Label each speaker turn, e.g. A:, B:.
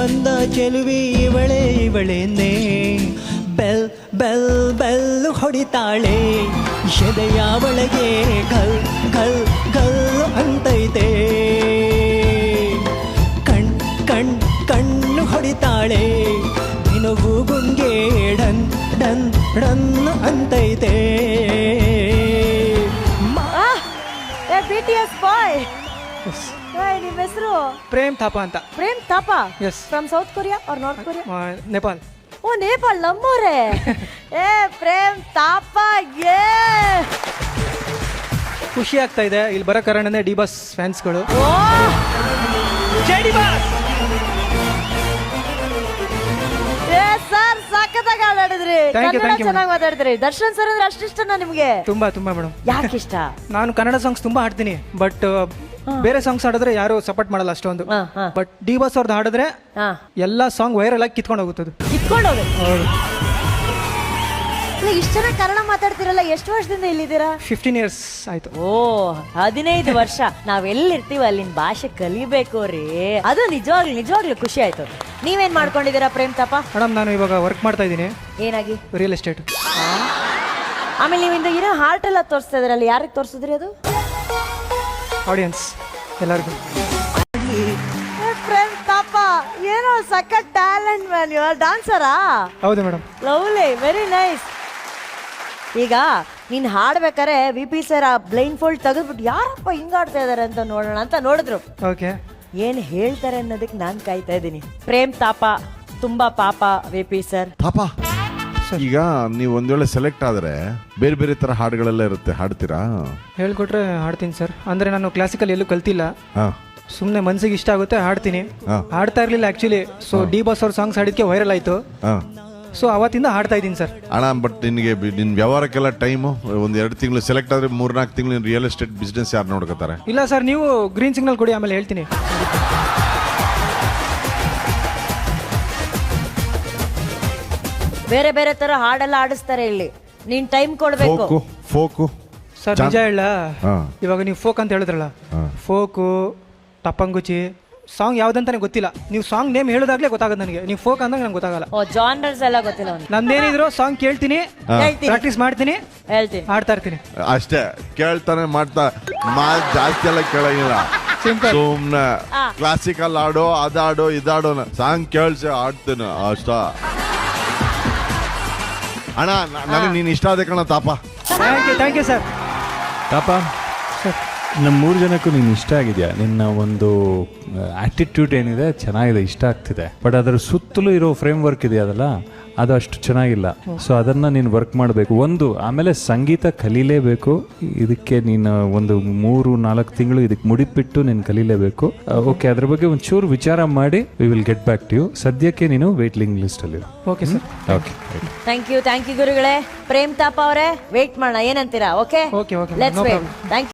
A: ಬಂದ ಚೆಲುವಿ ಇವಳೇನೇ ಬೆಲ್ ಬೆಲ್ ಬೆಲ್ ಹೊಡಿತಾಳೆ ಎದೆಯ ಒಳಗೆ ಗಲ್ ಗಲ್ ಗಲ್ ಅಂತೈತೆ ಕಣ್ಣು ಹೊಡಿತಾಳೆ ನಿನಗೂ ಗುಂಗೆ ಡನ್ ಡನ್ ಡನ್ ಅಂತೈತೆ
B: BTS ಬಾಯ್ ನಿಮ್ಮ ಹೆಸರು
C: ಪ್ರೇಮ್ ಥಾಪಾ ಅಂತ.
B: Prem Thapa
C: Yes.
B: From South Korea or North Korea?
C: Nepal.
B: ಓ ನೇಪಾಳ ನಮ್ಮೋರೆ. ಪ್ರೇಮ್ ಥಾಪಾ
C: ಖುಷಿ ಆಗ್ತಾ ಇದೆ ಇಲ್ಲಿ ಬರೋ ಕಾರಣನೇ ಡಿ ಬಾಸ್ ಫ್ಯಾನ್ಸ್ಗಳು.
B: ಓ ಸರ್ ಸಖತ್ತಾಗಿ ಆಡಿದ್ರಿ, ಚೆನ್ನಾಗಿ ಮಾತಾಡಿದ್ರಿ. ದರ್ಶನ್ ಸರ್ ಅಂದ್ರೆ ಅಷ್ಟಿಷ್ಟನಾ ನಿಮ್ಗೆ?
C: ತುಂಬಾ ತುಂಬಾ ಮೇಡಮ್.
B: ಯಾಕೆ ಇಷ್ಟ?
C: ನಾನು ಕನ್ನಡ ಸಾಂಗ್ಸ್ ತುಂಬಾ ಹಾಡ್ತೀನಿ, ಬಟ್ ಬೇರೆ ಸಾಂಗ್ಸ್ ಹಾಡಿದ್ರೆ ಯಾರು ಸಪೋರ್ಟ್ ಮಾಡಲ್ಲ ಅಷ್ಟೊಂದು. ಬಟ್ ಡಿ ಬಾಸ್ ಅವ್ರದ್ದು ಹಾಡಿದ್ರೆ ಎಲ್ಲಾ ಸಾಂಗ್ ವೈರಲ್ ಆಗಿ ಕಿತ್ಕೊಂಡು ಹೋಗುತ್ತದೆ.
B: ಕಿತ್ಕೊಂಡು ಹೋಗುತ್ತೆ. ಇಷ್ಟು ಚೆನ್ನಾಗಿ ಕನ್ನಡ ಮಾತಾಡ್ತಿರಲ್ಲ, ಎಷ್ಟು ವರ್ಷದಿಂದ ಇಲ್ಲಿದ್ದೀರಾ?
C: 15 years ಆಯ್ತು.
B: ಓ 15 ವರ್ಷ. ನಾವೆಲ್ಲಿರ್ತೀವಿ ಅಲ್ಲಿನ ಭಾಷೆ ಕಲಿಬೇಕು ರೀ. ಅದು ನಿಜವಾಗ್ಲೂ ಖುಷಿ ಆಯ್ತು. ನೀವೇನ್ ಮಾಡ್ಕೊಂಡಿದ್ದೀರಾ ಪ್ರೇಮ್ ಥಾಪಾ?
C: ಮೇಡಮ್ ನಾನು ಇವಾಗ ವರ್ಕ್ ಮಾಡ್ತಾ ಇದ್ದೀನಿ.
B: ಏನಾಗಿ?
C: Real estate.
B: ಆಮೇಲೆ ನೀವಿಂದ ಏನೋ ಹಾರ್ಟ್ ಎಲ್ಲ ತೋರಿಸ್ತಾ ಇದ್ರಲ್ಲ, ಯಾರಿಗೆ ತೋರಿಸಿದ್ರಿ ಅದು?
C: ಆಡಿಯನ್ಸ್ ಎಲ್ಲರಿಗೂ.
B: ಪ್ರೇಮ್ ಥಾಪಾ ಏನೋ ಸಖತ್ ಟ್ಯಾಲೆಂಟ್ ಮ್ಯಾನ್. ಯು ಆರ್ ಡಾನ್ಸರಾ?
C: ಹೌದು ಮೇಡಮ್.
B: Lovely, very nice. ಈಗ ನೀನ್ ಹಾಡ್ಬೇಕಾರೆ VP ಸರ್ ಆ ಬ್ಲೈಂಡ್ ಫೋಲ್ಡ್ ತೆಗೆದ್ಬಿಟ್ಟು ಯಾರಪ್ಪ ಹಿಂಗಾಡ್ತಾ ಇದಾರೆ ಅಂತ ನೋಡೋಣ ಅಂತ ನೋಡಿದ್ರು.
C: ಓಕೆ,
B: ಏನ್ ಹೇಳ್ತಾರೆ ಅನ್ನೋದಕ್ಕೆ ನಾನ್ ಕಾಯ್ತಾ ಇದ್ದೀನಿ. ಪ್ರೇಮ್ ಥಾಪಾ ತುಂಬಾ ಪಾಪ VP ಸರ್.
D: ಪಾಪ ಈಗ ನೀವು ಒಂದ್ ವೇಳೆ ಸೆಲೆಕ್ಟ್ ಆದ್ರೆ ಬೇರೆ ಬೇರೆ ತರ ಹಾಡುಗಳೆಲ್ಲ ಇರುತ್ತೆ, ಹಾಡ್ತೀರಾ?
C: ಹೇಳ್ಕೊಟ್ರೆ ಹಾಡ್ತೀನಿ ಸರ್. ಅಂದ್ರೆ ನಾನು ಕ್ಲಾಸಿಕಲ್ ಎಲ್ಲೂ ಕಲ್ತಿಲ್ಲ, ಸುಮ್ಮನೆ ಮನ್ಸಿಗೆ ಇಷ್ಟ ಆಗುತ್ತೆ ಹಾಡ್ತೀನಿ. ಹಾಡ್ತಾ ಇರ್ಲಿಲ್ಲ ಆಕ್ಚುಲಿ. ಸೊ ಡಿ ಬಾಸ್ ಅವ್ರ ಸಾಂಗ್ಸ್ ಹಾಡಿದ್ಕೆ ವೈರಲ್ ಆಯ್ತು. ಸೊ ಅವತ್ತಿಂದ ಹಾಡ್ತಾ ಇದ್ದೀನಿ ಸರ್.
D: ಅಣ್ಣ ಬಟ್ ನಿನಗೆ ನಿನ್ ವ್ಯವಹಾರಕ್ಕೆಲ್ಲ ಟೈಮು ಒಂದ್ 2 ತಿಂಗಳು ಸೆಲೆಕ್ಟ್ ಆದ್ರೆ 3-4 ತಿಂಗಳು ರಿಯಲ್ ಎಸ್ಟೇಟ್ ಬಿಸ್ನೆಸ್ ಯಾರು ನೋಡ್ಕೋತಾರೆ?
C: ಇಲ್ಲ ಸರ್, ನೀವು ಗ್ರೀನ್ ಸಿಗ್ನಲ್ ಕೊಡಿ, ಆಮೇಲೆ ಹೇಳ್ತೀನಿ.
B: ಬೇರೆ ಬೇರೆ ತರ ಹಾಡೆಲ್ಲ ಆಡಿಸ್ತಾರೆ ಇಲ್ಲಿ, ನೀನ್ ಟೈಮ್ ಕೊಡ್ಬೇಕು.
D: ಫೋಕು
C: ಸರ್ ನಿಜ ಹೇಳ, ಇವಾಗ ನೀವು ಫೋಕ್ ಅಂತ ಹೇಳಿದ್ರಲ್ಲ, ಫೋಕು ಟಪ್ಪಂಗುಚಿ ಸಾಂಗ್ ಯಾವ್ದಂತಾನೆ ಗೊತ್ತಿಲ್ಲ. ನೀವು ಸಾಂಗ್ ನೇಮ್ ಹೇಳೋದಾಗ್ಲೇ ಗೊತ್ತಾಗದು ನನಗೆ. ನೀವು ಫೋಕ್ ಅಂದಾಗ ನಂಗೆ ಗೊತ್ತಾಗಲ್ಲ.
B: ಓ ಜಾನರ್ಸ್ ಎಲ್ಲ ಗೊತ್ತಿಲ್ಲ ಅವ್ನಿಗೆ.
C: ನಂದೇನಿದ್ರು ಸಾಂಗ್ ಕೇಳ್ತೀನಿ, ಪ್ರಾಕ್ಟೀಸ್ ಮಾಡ್ತೀನಿ,
B: ಹೇಳ್ತೀನಿ,
C: ಹಾಡ್ತಾ ಇರ್ತೀನಿ
D: ಅಷ್ಟೇ. ಕೇಳ್ತಾನೆ ಮಾಡ್ತಾ ಜಾಸ್ತಿ ಎಲ್ಲ ಕೇಳಂಗಿಲ್ಲ. ಸುಮ್ನೆ ಕ್ಲಾಸಿಕಲ್ ಆಡೋ, ಅದಾಡೋ, ಇದಾಡೋ, ಸಾಂಗ್ ಕೇಳ್ಸಿ ಆಡ್ತೀನಿ ಅಷ್ಟ. ಅಣ್ಣ ನನಗೆ ನೀನ್ ಇಷ್ಟ ಆದ ಕಣ Thapa.
C: Thank you sir.
E: Thapa ನಮ್ಮ 3 ಜನಕ್ಕೂ ನೀನು ಇಷ್ಟ ಆಗಿದೆಯಾ? ನಿನ್ನ ಒಂದು ಆಟಿಟ್ಯೂಡ್ ಏನಿದೆ ಚೆನ್ನಾಗಿದೆ, ಇಷ್ಟ ಆಗ್ತಿದೆ. ಬಟ್ ಅದರ ಸುತ್ತಲೂ ಇರೋ ಫ್ರೇಮ್ ವರ್ಕ್ ಇದೆಯಲ್ಲ, ಅದು ಅಷ್ಟು ಚೆನ್ನಾಗಿಲ್ಲ. ಸೊ ಅದನ್ನು ನೀನು ವರ್ಕ್ ಮಾಡಬೇಕು. ಆಮೇಲೆ ಸಂಗೀತ ಕಲೀಲೇಬೇಕು. ಇದಕ್ಕೆ ನೀನು ಒಂದು 3-4 ತಿಂಗಳು ಇದಕ್ಕೆ ಮುಡಿಪಿಟ್ಟು ನೀನು ಕಲೀಲೇಬೇಕು. ಓಕೆ, ಅದ್ರ ಬಗ್ಗೆ ಒಂಚೂರು ವಿಚಾರ ಮಾಡಿ we will get back to you. ಸದ್ಯಕ್ಕೆ ನೀನು ವೇಟ್ಲಿಂಗ್ ಲಿಸ್ಟಲ್ಲಿ.
C: Okay sir.
E: Okay,
B: thank you ಗುರುಗಳೇ. ಪ್ರೇಮ್ ಥಾಪಾ ಅವರೇ, ವೇಟ್ ಮಾಡೋಣ, ಏನಂತೀರಾ? Okay,
C: okay,
B: let's wait. Thank you.